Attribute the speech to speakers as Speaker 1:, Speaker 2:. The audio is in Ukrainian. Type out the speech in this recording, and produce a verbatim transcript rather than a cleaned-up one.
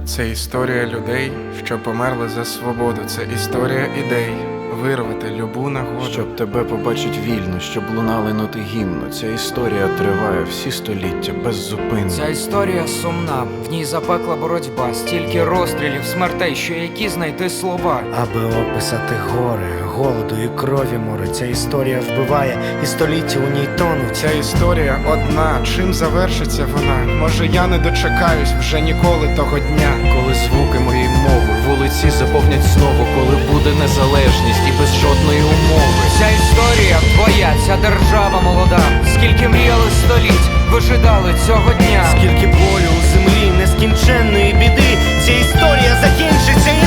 Speaker 1: Це історія людей, що померли за свободу. Це історія ідей, вирвати любу нагоду.
Speaker 2: Щоб тебе побачить вільно, щоб лунали ноти гімну. Ця історія триває всі століття без зупину.
Speaker 3: Ця історія сумна, в ній запекла боротьба, стільки розстрілів, смертей, що які знайти слова.
Speaker 4: Аби описати горе, голоду і крові море. Ця історія вбиває, і століття у ній тонуть.
Speaker 1: Ця історія одна, чим завершиться вона? Може я не дочекаюсь вже ніколи того дня.
Speaker 2: Коли звуки моєї мови вулиці заповнять знову, коли буде незалежність і без жодної умови.
Speaker 3: Ця історія твоя, ця держава молода, скільки мріяли століть, вижидали цього дня.
Speaker 4: Скільки болю у землі, нескінченної біди. Ця історія закінчиться